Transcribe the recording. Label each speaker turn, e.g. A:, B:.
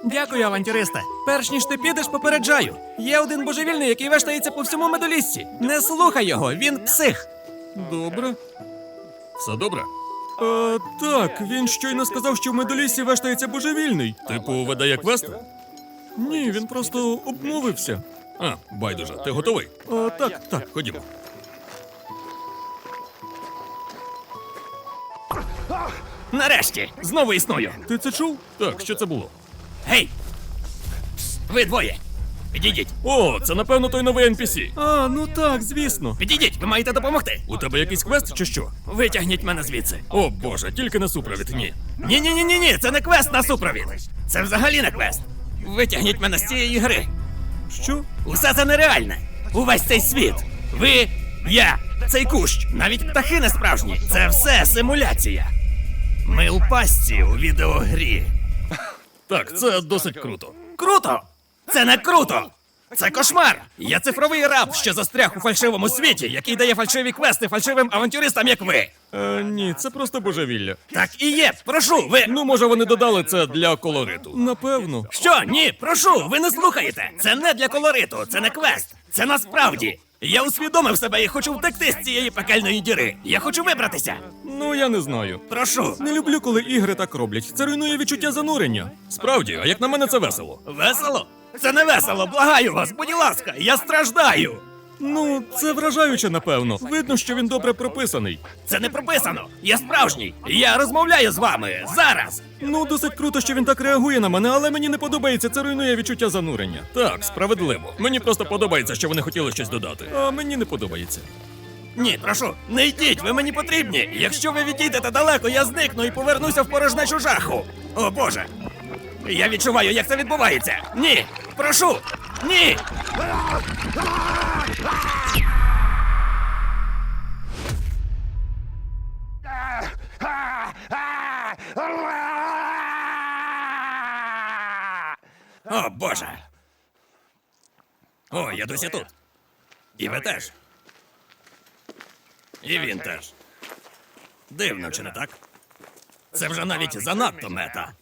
A: Дякую, авантюристе. Перш ніж ти підеш, попереджаю. Є один божевільний, який вештається по всьому медоліссі. Не слухай його, він псих.
B: Добре. Все добре?
C: Так, він щойно сказав, що в медоліссі вештається божевільний.
B: Типу, видає квест?
C: Ні, він просто обмовився.
B: А, байдуже, ти готовий?
C: Так.
B: Ходімо.
A: Нарешті, знову існую.
C: Ти це чув?
B: Так, що це було?
A: Гей! Ви двоє. Підійдіть.
B: О, це напевно той новий NPC.
C: Ну так, звісно.
A: Підійдіть, ви маєте допомогти.
B: У тебе якийсь квест чи що?
A: Витягніть мене звідси.
B: О боже, тільки на супровід, ні.
A: Ні, це не квест на супровід. Це взагалі не квест. Витягніть мене з цієї гри.
C: Що?
A: Усе це нереальне. Увесь цей світ. Ви, я, цей кущ, навіть птахи не справжні. Це все симуляція. Ми у пастці у відеогрі.
B: Так, це досить круто.
A: Круто! Це не круто! Це кошмар! Я цифровий раб, що застряг у фальшивому світі, який дає фальшиві квести фальшивим авантюристам, як ви.
C: Ні, це просто божевілля.
A: Так і є. Прошу, ви.
B: Ну, може, вони додали це для колориту.
C: Напевно.
A: Що? Ні, прошу, ви не слухаєте. Це не для колориту, це не квест. Це насправді. Я усвідомив себе і хочу втекти з цієї пекельної діри. Я хочу вибратися.
C: Ну, я не знаю.
A: Прошу.
C: Не люблю, коли ігри так роблять. Це руйнує відчуття занурення.
B: Справді, а як на мене, це весело.
A: Весело? Це не весело, благаю вас, будь ласка, я страждаю.
C: Ну, це вражаюче, напевно. Видно, що він добре прописаний.
A: Це не прописано. Я справжній. Я розмовляю з вами зараз.
C: Ну, досить круто, що він так реагує на мене, але мені не подобається, це руйнує відчуття занурення.
B: Так, справедливо. Мені просто подобається, що вони хотіли щось додати.
C: А мені не подобається.
A: Ні, прошу, не йдіть, ви мені потрібні. Якщо ви відійдете далеко, я зникну і повернуся в порожнечу жаху. О Боже. Я відчуваю, як це відбувається. Ні, прошу, ні. О, Боже. О, я досі тут. І ви теж. І він теж. Дивно, чи не так? Це вже навіть занадто мета.